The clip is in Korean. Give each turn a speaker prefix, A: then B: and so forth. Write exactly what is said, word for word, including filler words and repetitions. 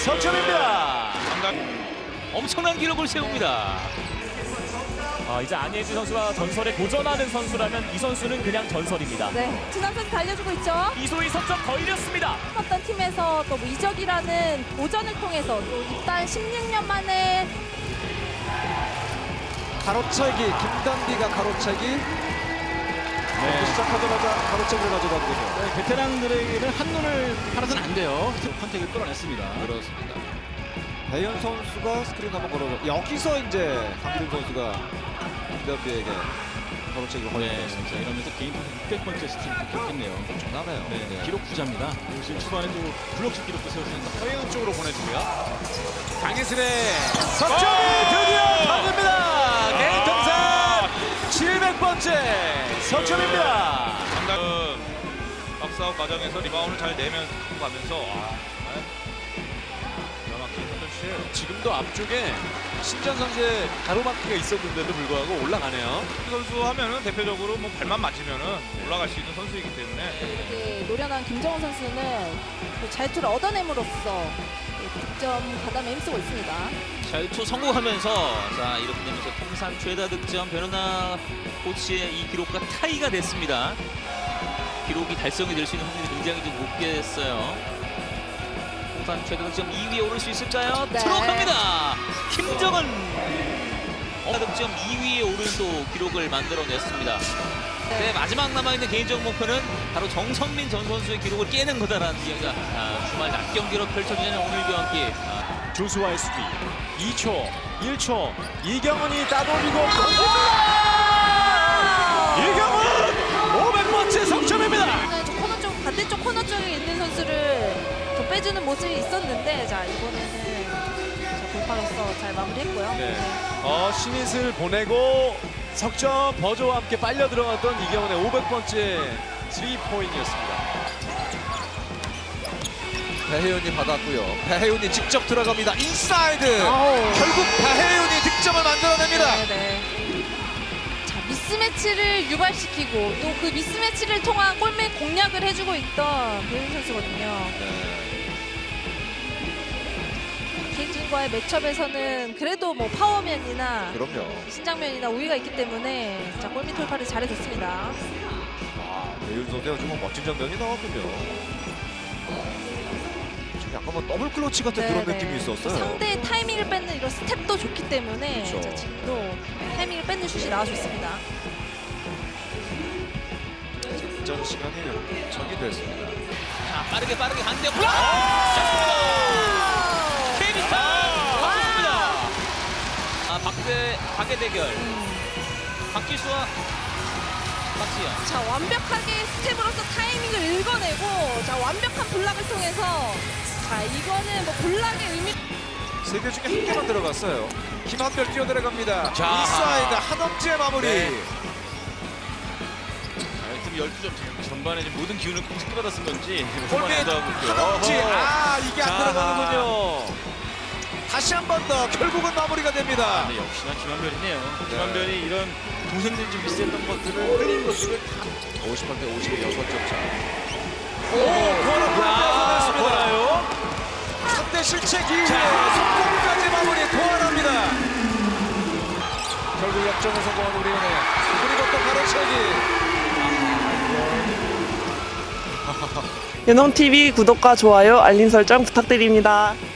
A: 석점입니다.
B: 엄청난 기록을 세웁니다.
A: 아, 이제 안예지 선수와 전설에 도전하는 선수라면 이 선수는 그냥 전설입니다.
C: 네, 진남 선수 달려주고 있죠.
A: 이소희 석점 더 이렸습니다.
C: 어떤 팀에서 또뭐 이적이라는 도전을 통해서 또 일단 십육 년 만에
D: 가로차기, 김단비가 가로차기. 네. 시작하자마자 가로차기를 가져가거든요.
E: 네, 베테랑들에게는 한눈을 팔아서는 안 돼요. 컨택을 끌어냈습니다.
D: 그렇습니다. 배현 선수가 스크린 한번 걸어줘. 여기서 이제 강기준 선수가 김단비에게 가로차기를
E: 네,
D: 걸어줬습니다.
E: 자, 이러면서 개인 육백 번째 스트리트 기록했네요.
D: 엄청나네요.
E: 네, 네. 기록 부자입니다. 그리고 초반에 또 블록슛 기록도 세웠습니다.
B: 서해안 쪽으로 보내주고요.
A: 강희슬의 석점이 드디어 터집니다. 개인 통산 칠백 번째 석점입니다.
F: 상당히 박스아웃 과정에서 리바운드 잘 내면서 가면서 아, 정말 기가 막힌 선수.
G: 지금도 앞쪽에 신전 선수의 가로막기가 있었는데도 불구하고 올라가네요.
F: 이 선수 하면은 대표적으로 뭐 발만 맞으면은 올라갈 수 있는 선수이기 때문에
C: 이렇게 노련한 김정은 선수는 그 자유투를 얻어냄으로써 득점 가담에 힘쓰고 있습니다.
B: 자유투 성공하면서 자 이렇게 되면서 통산 최다 득점 변현아 코치의 이 기록과 타이가 됐습니다. 기록이 달성이 될 수 있는 확률이 굉장히 좀 높게 됐어요. 통산 최다 득점 이 위에 오를 수 있을까요?
C: 네.
B: 들어갑니다. 김정은 어, 득점 이 위에 오른 또 기록을 만들어냈습니다. 네, 마지막 남아있는 개인적 목표는 바로 정성민 전 선수의 기록을 깨는 거다라는 이야기가 아, 주말 낮 경기로 펼쳐지는 오늘 경기. 아,
A: 조수와의 수비 이 초, 일 초 이경은이 따돌리고 이경은 오백 번째 석점입니다.
C: 네, 저 코너 쪽 반대쪽 코너 쪽에 있는 선수를 좀 빼주는 모습이 있었는데 자 이번에는 자, 돌파로서 잘 마무리했고요.
G: 네. 어, 신잇을 보내고 석점 버저와 함께 빨려 들어갔던 이경은의 오백 번째 쓰리 포인트였습니다.
D: 배혜윤이 받았고요. 배혜윤이 직접 들어갑니다. 인사이드.
C: 아우.
D: 결국 배혜윤이 득점을 만들어냅니다.
C: 네, 네. 자 미스매치를 유발시키고 또 그 미스매치를 통한 골밑 공략을 해주고 있던 배윤 선수거든요. 케이진과의 매첩에서는 그래도 뭐 파워면이나
D: 그럼요.
C: 신장면이나 우위가 있기 때문에 자 골밑 돌파를 잘해줬습니다.
D: 아, 배윤 선수가 좀 멋진 장면이 나왔군요. 지금 약간 뭐 더블 클러치 같은 그런
C: 네네.
D: 느낌이 있었어요.
C: 상대의 타이밍을 뺏는 이런 스텝도 좋기 때문에
D: 그렇죠.
C: 자, 지금도 타이밍을 뺏는 슛이 나와줬습니다.
D: 전 시간이 적이 됐습니다.
B: 자 빠르게 빠르게 반대 블록! 잡습니다. 케이비스타 박수입니다. 아 박대 박의 대결. 박지수와 박지현.
C: 자 완벽하게 스텝으로서 타이밍을 읽어내고 자 완벽한 블락을 통해서 자 이거는 뭐 블락의 의미
D: 세 개 중에 한 개만 들어갔어요. 김한별 뛰어들어갑니다.
G: 자.
D: 인사이드 한엄지의 마무리.
G: 네. 팀 열두 점 전반에 지금 모든 기운을 공식받아 쓴 건지
D: 골밑 한엄지. 아 이게 안
G: 자.
D: 들어가는군요. 다시 한 번 더 결국은 마무리가 됩니다.
G: 네, 역시나 김한별이네요. 김한별이 이런 동생들이 좀 비슷했던 것들을 흘린 것들을 다
D: 오십팔 대 오십육 점 차.
G: 오,
D: 코너
G: 야, 보나요?
D: 삼 대 실책 이후에 성공까지 마무리 도안합니다. 결국 역전을 성공한 우리은행. 그리고 또 가로채기.
H: 연홍티비 구독과 좋아요, 알림 설정 부탁드립니다.